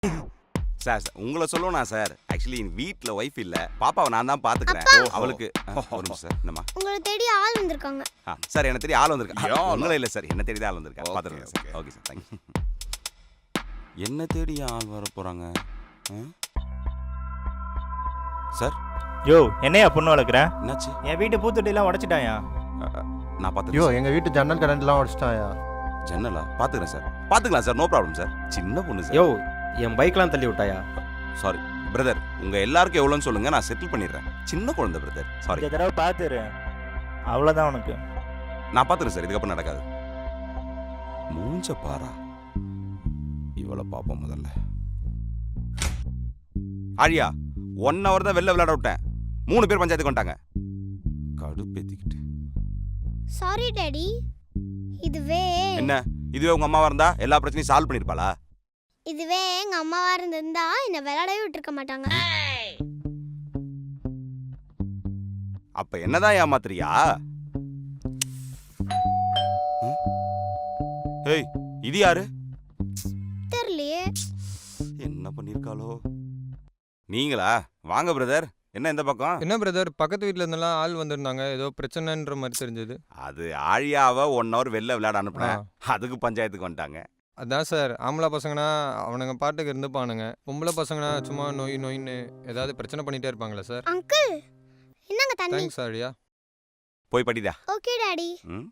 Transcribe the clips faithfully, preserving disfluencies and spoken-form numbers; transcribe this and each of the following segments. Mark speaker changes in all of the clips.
Speaker 1: Sir sir உங்களை சொல்லணும் sir. Actually என் வீட்டில் ஒய்ஃப் இல்லை, பாப்பாவை நான் தான் பார்த்துக்கிறேன். அவளுக்கு ஒரு நிமிஷம் சார். என்னம்மா?
Speaker 2: உங்களை தேடி ஆள் வந்திருக்காங்க.
Speaker 1: ஆ சார், என்ன தேடி ஆள் வந்திருக்கா? உங்களை இல்லை சார், என்ன தேடி தான் ஆள் வந்திருக்கா. பார்த்துருக்கேன் சார். Okay sir, thank you. என்ன தேடி ஆள் வர போகிறாங்க சார்?
Speaker 3: யோ, என்னையா பொண்ணு வளர்க்குறேன்?
Speaker 1: என்னாச்சு?
Speaker 3: என் வீட்டு பூத்தொட்டிலாம் உடச்சிட்டாயா?
Speaker 1: நான் பார்த்து
Speaker 4: யோ, எங்கள் வீட்டு ஜன்னல் கரண்ட்லாம் உடச்சிட்டாயா?
Speaker 1: ஜன்னலா? பார்த்துக்கிறேன் சார், பார்த்துக்கலாம் சார், நோ ப்ராப்ளம் சார். சின்ன பொண்ணு சார்.
Speaker 5: யோ, என் பைக்லாம் தள்ளி விட்டாயா?
Speaker 1: சாரி பிரதர், உங்கள் எல்லாருக்கும் எவ்வளோன்னு சொல்லுங்கள், நான் செட்டில் பண்ணிடுறேன். சின்ன குழந்தை பிரதர், சாரி.
Speaker 3: இந்த தடவை பார்த்துரு, அவ்வளோதான் உனக்கு.
Speaker 1: நான் பார்த்துறேன் சார், இதுக்கப்புறம் நடக்காது. மூஞ்ச பாரா, இவ்வளோ பார்ப்போம் முதல்ல. ஆழியா, ஒன் ஹவர் தான் வெளில விளையாட விட்டேன், மூணு பேர் பஞ்சாயத்துக்கு வந்துட்டாங்க. கடுப்பேத்திக்கிட்டு.
Speaker 2: Sorry daddy. இதுவே
Speaker 1: என்ன, இதுவே உங்க அம்மாவா இருந்தா எல்லா பிரச்சனையும் சால்வ் பண்ணிருப்பாளா?
Speaker 2: இதுவே எங்க அம்மாவா இருந்திருந்தா என்ன விளையாடவே விட்டுருக்க மாட்டாங்க.
Speaker 1: அப்ப என்னதான் ஏமாத்துறியா? ஏய், இது யாரு?
Speaker 2: தெரியலையே.
Speaker 1: என்ன பண்ணிருக்காளோ? நீங்களா? வாங்க பிரதர். என்ன இந்த பக்கம்?
Speaker 6: என்ன பிரதர், பக்கத்து வீட்டில் இருந்தெல்லாம் ஆள் வந்திருந்தாங்க, ஏதோ பிரச்சனைன்ற மாதிரி தெரிஞ்சது.
Speaker 1: அது ஆழியாவை ஒன் ஹவர் வெளில விளையாட அனுப்புனேன், அதுக்கு பஞ்சாயத்துக்கு வந்துட்டாங்க.
Speaker 6: அதான் சார், ஆம்பளை பசங்கன்னா அவனுங்க பாட்டுக்கு இருந்துப்பானுங்க, பொம்பளை பசங்கன்னா சும்மா நோய் நோயின்னு ஏதாவது பிரச்சனை பண்ணிட்டே இருப்பாங்களா சார்?
Speaker 2: அங்கிள், என்னங்க தண்ணி?
Speaker 6: தேங்க்ஸ் ஆழியா.
Speaker 1: போய் படிடா.
Speaker 2: Okay daddy.
Speaker 1: ம்.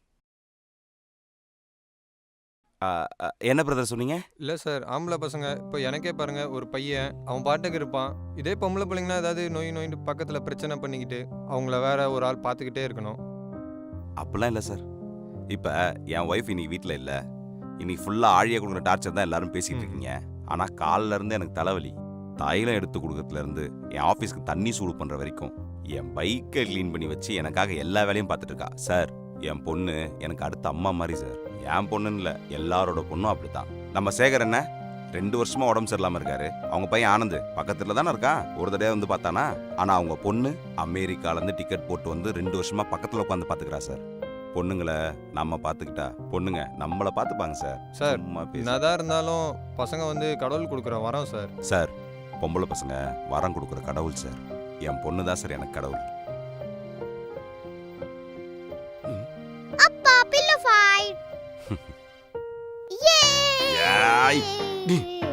Speaker 1: ஆ, ஆ, என்ன பிரதர் சொன்னீங்க?
Speaker 6: இல்லை சார், ஆம்பளை பசங்க இப்போ எனக்கே பாருங்க, ஒரு பையன் அவன் பாட்டுக்கு இருப்பான். இதே பொம்பளை பிள்ளைங்கன்னா ஏதாவது நோய் நோயின்னு பக்கத்தில் பிரச்சனை பண்ணிக்கிட்டு அவங்கள வேற ஒரு ஆள் பார்த்துக்கிட்டே இருக்கணும்.
Speaker 1: அப்படிலாம் இல்லை சார். இப்போ என் ஒய்ஃப் இன்னைக்கு வீட்டில் இல்லை, இன்னைக்கு ஃபுல்லாக ஆழியை கொடுக்குற டார்ச்சர் தான் எல்லாரும் பேசிக்கிட்டு இருக்கீங்க. ஆனால் காலில் இருந்து எனக்கு தலைவலி, தைலம் எடுத்து கொடுக்கறதுலேருந்து என் ஆஃபீஸ்க்கு தண்ணி சூடு பண்ணுற வரைக்கும் என் பைக்கை க்ளீன் பண்ணி வச்சு எனக்காக எல்லா வேலையும் பார்த்துட்டு இருக்கா சார். என் பொண்ணு எனக்கு அடுத்த அம்மா மாதிரி சார். என் பொண்ணுன்னு இல்லை, எல்லாரோட பொண்ணும் அப்படித்தான். நம்ம சேகர் என்ன ரெண்டு வருஷமா உடம்பு சரியில்லாமல் இருக்காரு. அவங்க பையன் ஆனந்த் பக்கத்தில் தானே இருக்கான், ஒரு தடவை வந்து பார்த்தானா. ஆனால் அவங்க பொண்ணு அமெரிக்காலேருந்து டிக்கெட் போட்டு வந்து ரெண்டு வருஷமா பக்கத்தில் உட்காந்து பார்த்துக்கிறா சார். பொண்ணுங்களை நம்ம பார்த்துக்கிட்டா பொண்ணுங்க நம்மளை பார்த்துப்பாங்க சார்.
Speaker 6: சார், என்னதான் இருந்தாலும் பசங்க வந்து கடவுள் கொடுக்குற வரம் சார்.
Speaker 1: சார், பொம்பளை பசங்க வரம் கொடுக்குற கடவுள் சார். என் பொண்ணு தான் சார் எனக்கு கடவுள்.
Speaker 2: அப்பா பில்லோ ஃபைட்.
Speaker 1: ஏய்.
Speaker 2: யே!